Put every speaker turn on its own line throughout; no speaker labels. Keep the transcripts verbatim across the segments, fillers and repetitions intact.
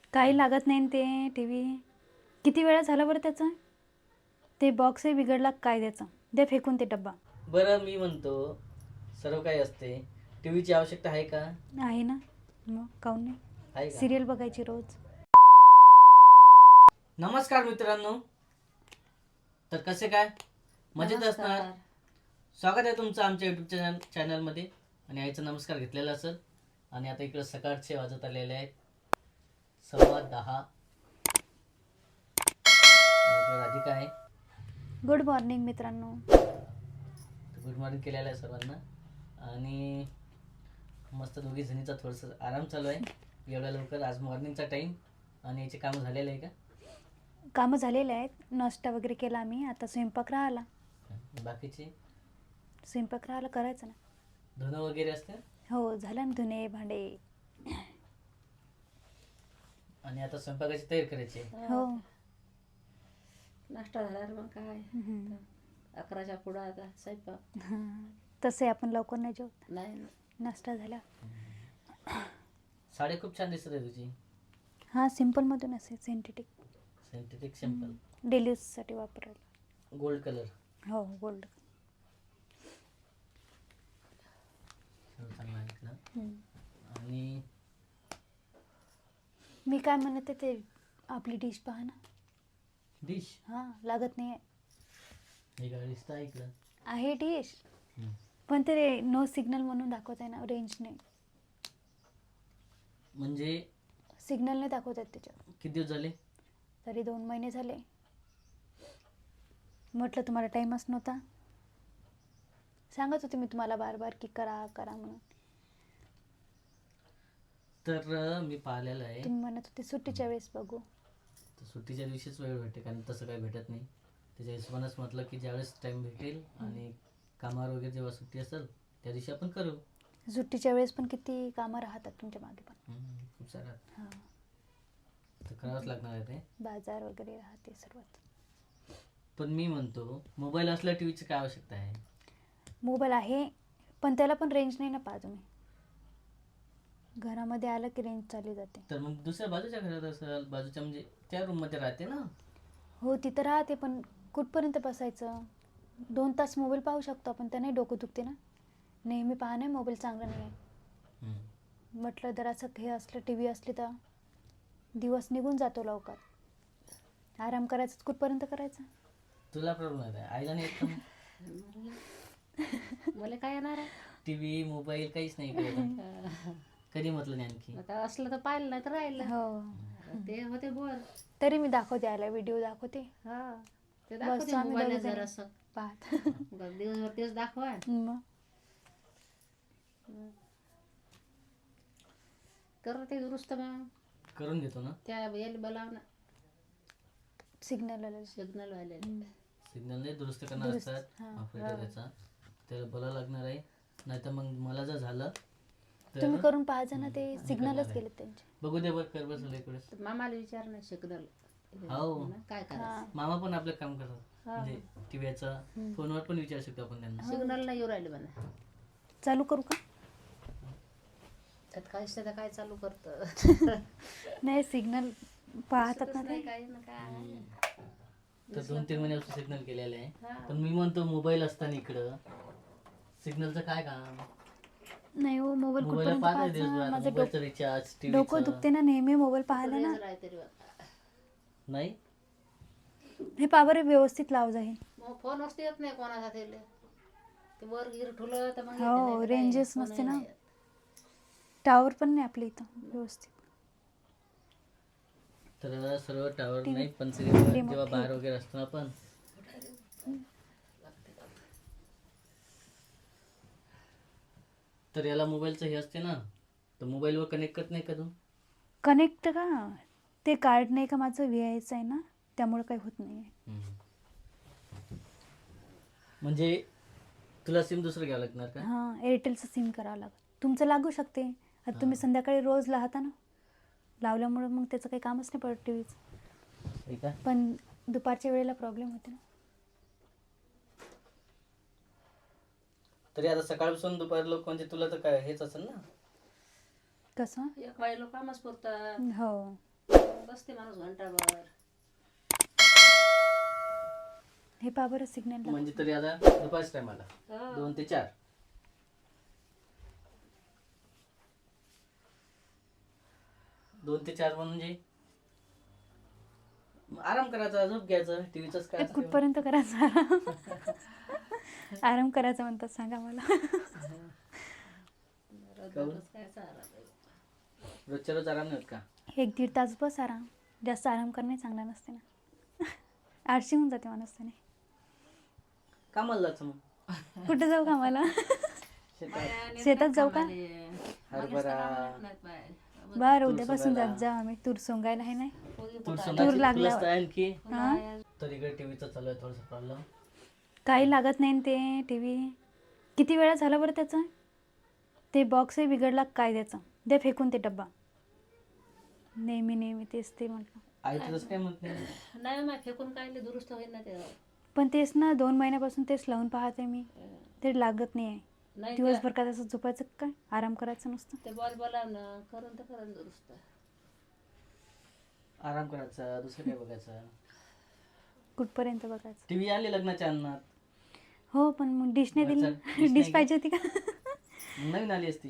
काही लागत नाही न ते टी व्ही. किती वेळा झाला बरं त्याचा? ते बॉक्सही बिघडला काय त्याचा. द्या फेकून ते डब्बा.
बरं मी म्हणतो सर्व काही असते, टीव्हीची आवश्यकता आहे का?
आहे ना, मग काहून नाही.
आहे का?
सिरियल बघायची रोज.
नमस्कार मित्रांनो, तर कसे काय मजेत असणार. स्वागत आहे तुमचं आमच्या युट्यूब चॅनल चॅनलमध्ये. आणि आईचा नमस्कार घेतलेला असेल. आणि आता इकडे सकाळचे वाजत आलेले आहेत सव्वा दहा. इकडे राधिका आहे.
गुड मॉर्निंग मित्रांनो.
गुड मॉर्निंग केलेलं आहे सर्वांना. आणि मस्त दोघी जणीचा थोडंसं आराम चालू आहे एवढ्या लवकर. आज मॉर्निंगचा टाईम आणि याचे कामं झालेलं आहे का?
कामं झालेले आहेत. नाश्ता वगैरे केला आम्ही. आता स्वयंपाक राहिला.
बाकीचे
स्वयंपाक राहिला करायचं ना.
धुणं वगैरे असतं.
हो झालं ना धुणे भांडे.
आणि आता स्वयंपाकाची तयारी करायची.
हो
नाश्ता झाला मग काय
हम्म.
अकराच्या पुढं आता स्वयंपाक.
हां. तसे आपण लवकर नाही जेवत.
नाही ना.
नाश्ता झाला.
साडी खूप छान दिसत आहे तुझी.
हां सिम्पलमधून असेल सिंथेटिक.
सिंथेटिक सिंपल
डेली यूजसाठी वापरायला.
Gold colour.
हो गोल्ड.
चांगला आहे इकडं. आणि
मी काय म्हणते ते आपली डिश पहा ना.
डिश
हां लागत नाही
हे गाडी दिसतं आहे इकडं.
आहे डिश
हम्म.
पण ते नो सिग्नल म्हणून दाखवत आहे ना. रेंज नाही.
म्हणजे
सिग्नल नाही दाखवत आहेत त्याच्यावर.
किती दिवस झाले?
तरी दोन महिने झाले. म्हटलं तुम्हाला टाईमच नव्हता. सांगत होते मी तुम्हाला बार बार की करा करा म्हणून.
तर मी पाहिलेलं आहे.
तुम्ही म्हणत होते सुट्टीच्या वेळेस बघू.
तर सुट्टीच्या दिवशीच वेळ भेटते कारण तसं काही भेटत नाही. त्याच्या हिशोबानंच म्हटलं की ज्यावेळेस टाईम भेटेल आणि कामावर वगैरे जेव्हा सुट्टी असेल त्या दिवशी आपण करू.
सुट्टीच्या वेळेस पण किती कामं राहतात तुमच्या मागे पण.
हम्म, खूप सारं
हां
तर करावंच लागणार आहे ते.
बाजार वगैरे राहते सर्वात.
पण मी म्हणतो मोबाईल असल्या टीव्हीची काय आवश्यकता आहे?
मोबाईल आहे पण त्याला पण रेंज नाही ना पहा तुम्ही. घरामध्ये आलं की रेंज चालली जाते.
तर मग दुसऱ्या बाजूच्या घरात असेल बाजूच्या म्हणजे त्या रूममध्ये राहते ना.
हो तिथं राहते पण कुठपर्यंत बसायचं. दोन तास मोबाईल पाहू शकतो आपण. त्याने डोकं दुखते ना. नेहमी पाहणे मोबाईल चांगला नाही आहे.
हम्म.
म्हटलं जर असं हे असलं टी व्ही असली तर दिवस निघून जातो लवकर. आराम करायचं कुठपर्यंत करायचं.
तुला प्रॉब्लेम आहे आईला नाही येत का?
मला काय येणार आहे.
टीव्ही मोबाईल काहीच नाही इकडे. कधी म्हटलं नाही आणखी.
आता असलं तर पाहिलं नाही तर राहिलं.
हो
ते होते बोर.
तरी मी दाखवते आला व्हिडिओ दाखवते.
हा ते
बस
दाखवते
आम्ही
मोबाईल
दोघीजणी
जर असं
पाहत.
दिवसभर तेच दाखवा.
मग
कर ते दुरुस्त मग
करून घेतो ना.
त्या याला बोलाव ना
सिग्नल आलं.
सिग्नल वाले.
सिग्नल नाही दुरुस्त करणार
दुरुस्त,
असतात
हां.
ऑपरेटर त्याचा. त्याला बोलावं लागणार आहे. नाही तर मग मला जर झालं तर
तुम्ही करून पाहायचं ना. ते
हम्म,
सिग्नलच
करणार
गेले
आहे.
त्यांचे.
बघू दे बरं कर बसलं इकडे.
तर मामाला विचार ना सिग्नल
हो.
काय करायचं.
हां
मामा पण आपलं काम करतात.
हा.
म्हणजे टीव्हीचा
हम्म.
फोनवर पण विचारू शकतो आपण त्यांना.
सिग्नल नाही येऊ राहिले म्हणा.
चालू करू का?
त्यात काय असतं तर काय चालू करतं.
नाही सिग्नल पाहतात ना
नाही
ते.
काय ना काय.
तर दोन तीन महिन्यापासून सिग्नल केलेलं आहे.
हा.
पण मी म्हणतो मोबाईल असताना इकडं सिग्नलचं काय काम?
नाही हो मोबाईल
मोबाईल
कुठपर्यंत
पाहता
पाहायचा.
दिवसभर
माझं
मोबाईलचं
डोकं
रिचार्ज
डोकं
टीव्हीचं
दुखते ना नेहमी मोबाईल पाहायला ना.
रेंज राहते तरी बघा.
नाही.
हे पावर व्यवस्थित लाव जाईल.
मग फोन वस्तू येत नाही कोणाचा त्याला. ते वर गिर ठुलं तर मग येते,
हो,
नाही तर
रेंजच
नाही.
नसते
फोनही
ना.
नाही येत.
टावर पण नाही आपल्या इथं व्यवस्थित.
तर सर्व टावर
टी व्ही
नाही पण सिग्नल
रिमोट
जेव्हा बाहेर
ठेव.
वगैरे असतो ना आपण तर याला मोबाईलचं हे असते ना. तर मोबाईलवर कनेक्ट करत नाही का तू?
कनेक्ट का ते कार्ड नाही का माझं व्ही आयचं आहे ना त्यामुळे काही होत नाही आहे.
म्हणजे तुला सिम दुसरं घ्यावं लागणार का?
हां एअरटेलचं सिम करावं लागतं. तुमचं लागू शकते. आता तुम्ही संध्याकाळी रोज लावता ना. लावल्यामुळं मग त्याचं काही कामच नाही पडत टी व्हीचं.
ठीक आहे.
पण दुपारच्या वेळेला प्रॉब्लेम होते ना.
तरी आता सकाळपासून दुपार लोक म्हणजे तुला तर काय हेच असेल ना.
कसं?
एक बाई लोक कामच पुरतात.
हो
बसते माणूस घंटाभर.
हे पहा बरं सिग्नल
म्हणजे तरी आता दुपारच्या टायमाला
हो.
दोन ते चार दोन ते चार म्हणजे आराम करायचा, झोप घ्यायचं, टीव्हीच काय असतं.
कुठपर्यंत करायचा आराम? आराम करायचा म्हणतात सांगा मला.
रोजच काय चाललं आहे.
रोजच्या रोज आराम नाही होत का?
एक दीड तास बस आराम. जास्त आराम करणे चांगला नसते ना. आळशी होऊन जाते माणूस त्याने.
कामाला जायचं मग.
कुठे जाऊ कामाला?
शेतात.
बाया नेत
शेतात
नाहीत
जाऊ का?
कामाले. माणूस तर कामाला नेत नाहीत बाया.
बरं
तूर
उद्यापासून
सोंगायला.
जात जाऊ आम्ही. तूर सोंगायला आहे नाही.
पोळी
तूर
फुटायला.
सोंगायची
लागल्यावर.
तुला असतं आणखी.
हा?
तर इकडे टीव्हीचं चालू आहे थोडंसं प्रॉब्लेम.
काही लागत नाही न ते टी व्ही. किती वेळा झाला बरं त्याचा? ते बॉक्सही बिघडला काय त्याचा. दे फेकून ते डब्बा. नेहमी नेहमी तेच ते म्हटलं.
आई तर तसं काय म्हणत नाही.
नाही मग फेकून काढले दुरुस्त होईल ना ते.
पण तेच ना दोन महिन्यापासून तेच लावून पाहते मी. ते लागत नाही आहे.
नाही
दिवसभर का तसं झोपायचं काय? आराम करायचं नुसतं.
ते बॉल बोलावणं करून तर करून दुरुस्त.
आराम करायचा, दुसरं काय बघायचं.
कुठपर्यंत बघायचं?
टीव्ही आली लग्नाच्या अन्नात.
हो पण मग डिशने दिली.
अच्छा, dish
डिश
नाही
पाहिजे होती का?
मग नवीन आली असती.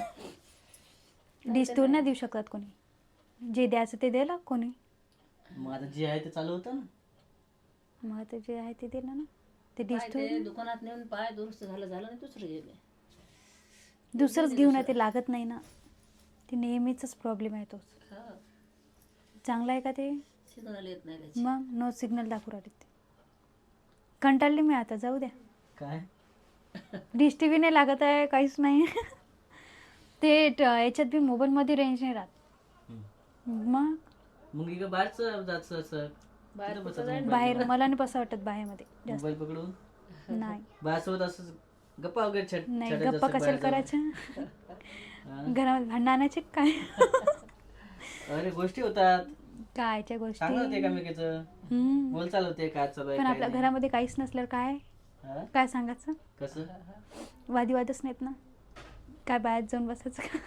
डिश थोडी नाही देऊ शकत कोणी. जे द्यायचं ते द्यायला कोणी.
मग आता जे आहे ते चालू होतं ना.
मग आता जे आहे ते दिलं ना. ते डिश
पाय
थोडी
ते दुकानात नेऊन पाय दुरुस्त झालं झालं नाही दुसरं गेले.
दुसरंच घेऊन आहे ते लागत नाही ना. ते नेहमीचाच प्रॉब्लेम आहे तोच.
हा
चांगला आहे का ते?
सिग्नल येत नाही त्याची.
मग नो सिग्नल दाखवू राहिले ते. कंटाळली मी आता जाऊ द्या.
काय
डिश टी व्ही नाही लागत आहे काहीच नाही. ते ट- याच्यात बी मोबाईलमध्ये रेंज नाही राहत.
हम्म.
मग
मग इकडं बाहेरचं जायचं असं
बाहेर
तिथं
कुठं
बसायचं
जायचं?
मोबाईल
बाहेर मला नाही बसं वाटत बाहेरमध्ये जास्त.
मोबाईल पकडून
नाही
बाहेरसोबत असं गप्पा वगैरे छट
नाही
छटायचं
गप्पा
असं
कशाला
बाहेर
करायच्या?
जाऊन.
घरामध्ये भांडणं आणायचे काय?
हा. अरे गोष्टी होतात,
कायच्या गोष्टी.
चांगलं होते एकामेकीचं,
हम्म.
बोल चालू होते काय चालू आहे
पण
काय
आपल्या
नाही.
घरामध्ये काहीच नसल्यावर काय
हा?
काय सांगायचं?
कसं
वादीवादच नाहीत ना. काय बाहेर जाऊन बसायचं का?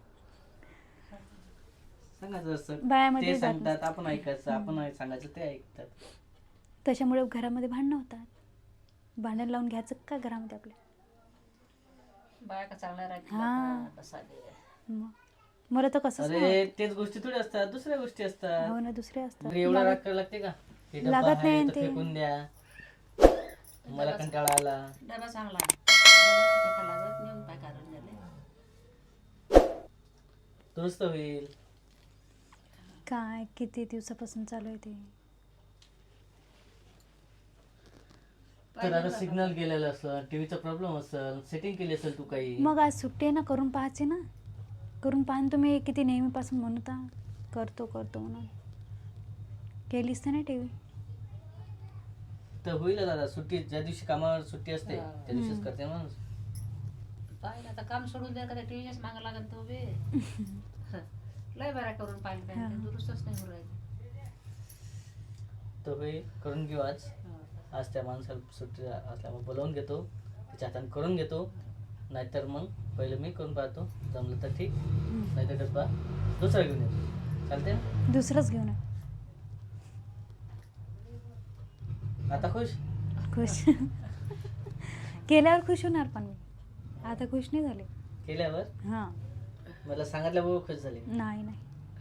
सांगायचं असं
बायामध्ये
ते
जात
सांगतात आपण ऐकायचं, आपण ऐक- सांगायचं ते ऐकतात.
त्याच्यामुळे घरामध्ये भांडणं होतात. भांडण लावून घ्यायचं का घरामध्ये आपल्या?
बाया का चांगल्या राहतील
हा.
का? बसाले.
मग मला तर कसंच नाही
अरे तेच गोष्टी थोडी असतात, दुसऱ्या गोष्टी
होत.
असतात.
हो ना दुसरे असतात.
घरी एवढा राग
लागत-
करायला लागते का? हे डब्बा
लागत
आहे
नाही
तर
ते.
फेकून द्या, मला कंटाळा आला.
डबा चांगला डबा फेका लागत नेऊन पाय काढून झाले.
दुरुस्त होईल.
काय किती दिवसापासून चालू आहे ते.
तर आता सिग्नल गेलेलं असेल, टीव्हीचा प्रॉब्लेम असेल, सेटिंग केली असेल तू काही.
मग आज सुट्टी आहे ना, करून पाहायचे ना. करून पाहा तुम्ही. किती नेहमीपासून म्हणता करतो करतो म्हणून. केलीच तर नाही टी व्ही.
तर होईल दादा, सुट्टी ज्या दिवशी कामावर सुट्टी असते
हा.
त्या दिवशीच करते माणूस.
पाहिलं आता काम सोडून द्या का टीव्हीच मागं लागेल तो बी. लय बऱ्या करून पाहिलं
हा.
पाहिजे दुरुस्तच नाही होऊ राहिली.
तर होईल, करून घेऊ आज.
हा.
आज त्या माणसाला सुट्टी असल्यामुळे बोलावून घेतो, त्याच्या हाताने करून घेतो. नाहीतर मग पहिलं मी करून पाहतो, जमलं तर ठीक, नाहीतर डब्बा दुसरा घेऊन येतो. चालते ना?
दुसरंच घेऊन ये.
आता खुश?
खुश. केल्यावर खुश होणार पण मी. आता खुश नाही झाले.
केल्यावर
हां.
मला सांगितल्याबरोबर खुश झाली.
नाही नाही.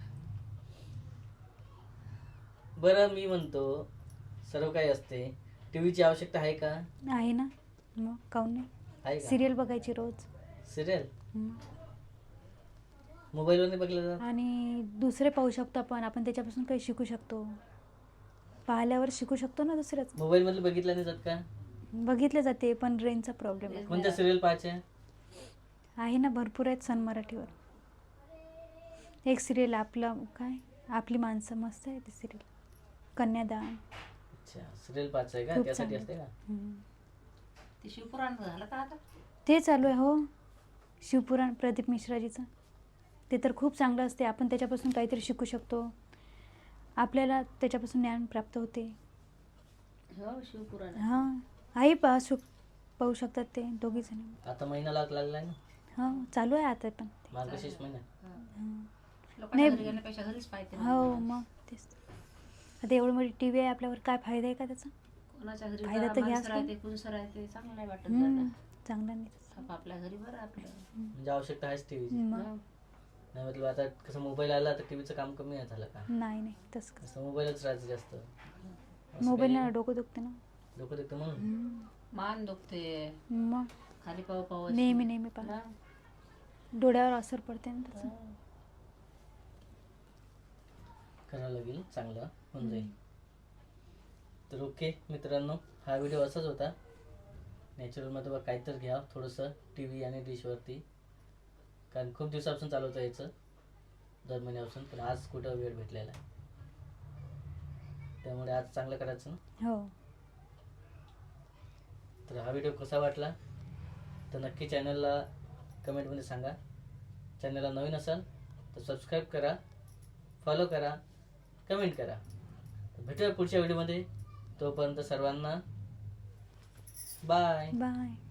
बरं मी म्हणतो, सर्व काही असते, टीव्हीची आवश्यकता आहे का?
आहे ना. मग काऊन नाही.
आहे का?
सिरियल बघायची रोज.
सिरियल
हम्म.
मोबाईलवर नाही बघलं जात?
आणि दुसरे पाहू शकतो आपण. आपण त्याच्यापासून काही शिकू शकतो. पाहिल्यावर शिकू शकतो ना दुसऱ्याच.
मोबाईल मधलं बघितलं नाही जात का?
बघितले जाते पण रेंजचा प्रॉब्लेम आहे.
कोणत्या सिरियल पाहायच्या?
आहे ना भरपूर आहेत सन मराठीवर. एक सिरियल आपलं काय आपली माणसं मस्त आहे ती सिरियल. कन्यादान.
अच्छा, सिरियल पाहायचं आहे का?
खूप
त्यासाठी
चांगलं.
असते का?
हम्म.
ते शिवपुराण झालं का आता?
ते चालू आहे हो. शिवपुराण प्रदीप मिश्राजीचं. ते तर खूप चांगलं असते. आपण त्याच्यापासून काहीतरी शिकू शकतो. आपल्याला त्याच्यापासून ज्ञान प्राप्त होते.
हो शिवपुराण.
हां. आई पा शु पाहू शकतात ते दोघी जण.
आता महिना लाग लागलाय ना,
हां चालू आहे आता पण.
मार्गशीर्ष महिना.
हां.
लोकांच्या
नाही.
घरी गेल्यापेक्षा घरीच पाहिजे
हो मग तेच. आता एवढं मोठी टी व्ही आहे आपल्यावर, काय फायदा आहे का त्याचा?
कोणाच्या घरी
फायदा
जरा
तर
माणसं
घ्याच लागेल.
राहते कुणसं राहते चांगलं नाही वाटत
हम्म,
जायला.
चांगलं नाही तसं.
आप- आपल्या घरी बरं आपलं.
म्हणजे आवश्यकता आहेच टीव्हीची.
मग
हं.
नाही मतलब आता कसं मोबाईल आला तर टीव्हीचं काम कमी आहे झालं का?
नाही नाही तसं कसं.
कसं मोबाईलच राहायचं जास्त. असं
मोबाईलनं
काही
डोकं दुखते ना.
डोकं दुखतं म्हणून.
हम्म.
मान दुखते
मग
खाली पाव पाव
नेहमी नेहमी पा डोळ्यावर असर पडते ना त्याचा.
करावं लागेल, चांगलं होऊन जाईल. तर ओके मित्रांनो, हा व्हिडिओ असाच होता. नॅचरलमध्ये बघा काहीतरी घ्या थोडंसं टी व्ही आणि डिशवरती, कारण खूप दिवसापासून चालू होतं याचं, दर महिन्यापासून. पण आज कुठं वेळ भेटलेला आहे, त्यामुळे आज चांगलं करायचं ना.
हो.
तर हा व्हिडिओ कसा वाटला तर नक्की चॅनलला कमेंटमध्ये सांगा. चॅनलला नवीन असाल तर सबस्क्राईब करा, फॉलो करा, कमेंट करा. भेटूया पुढच्या व्हिडिओमध्ये. तोपर्यंत सर्वांना बाय.
बाय.